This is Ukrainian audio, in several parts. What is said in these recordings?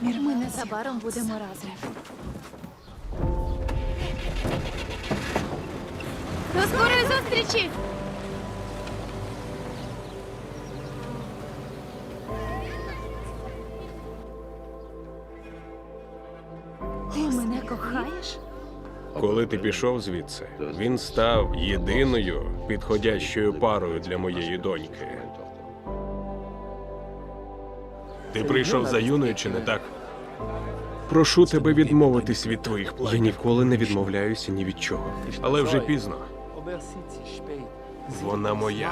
Ми незабаром будемо разом. До скорої зустрічі! Ти мене кохаєш? Коли ти пішов звідси, він став єдиною підходящою парою для моєї доньки. Ти прийшов за Юною, чи не так? Прошу тебе відмовитись від твоїх планів. Я ніколи не відмовляюся ні від чого. Але вже пізно. Вона моя.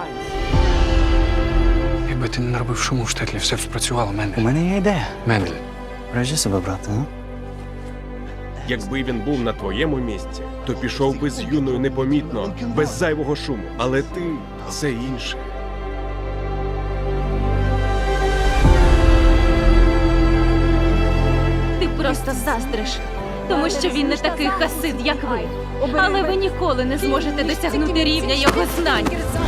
Якби ти не наробив шуму в штетлі, все б спрацювало, У Мендель. мене є ідея. Мендель. Бережи себе, брате, а? Якби він був на твоєму місці, то пішов би з Юною непомітно, без зайвого шуму. Але ти – це інше. Ти просто заздриш, тому що він не такий хасид, як ви. Але ви ніколи не зможете досягнути рівня його знань.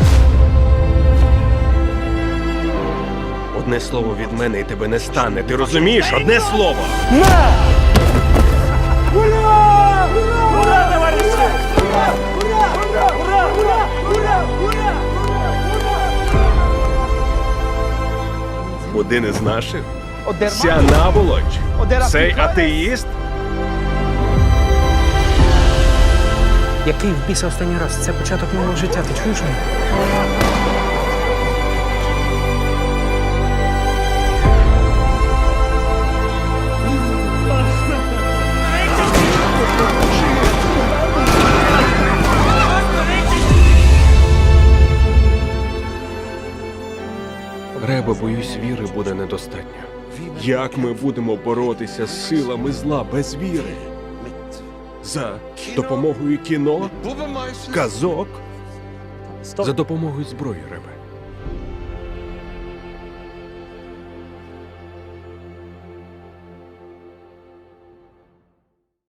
Одне слово від мене і тебе не стане. Ти розумієш? Одне слово! Один із наших? Ця наволоч? Цей атеїст? Який в біса останній раз? Це початок нового життя, ти чуєш мене? Ребе, боюсь, віри буде недостатньо. Як ми будемо боротися з силами зла без віри? За допомогою кіно? Казок? За допомогою зброї, Ребе.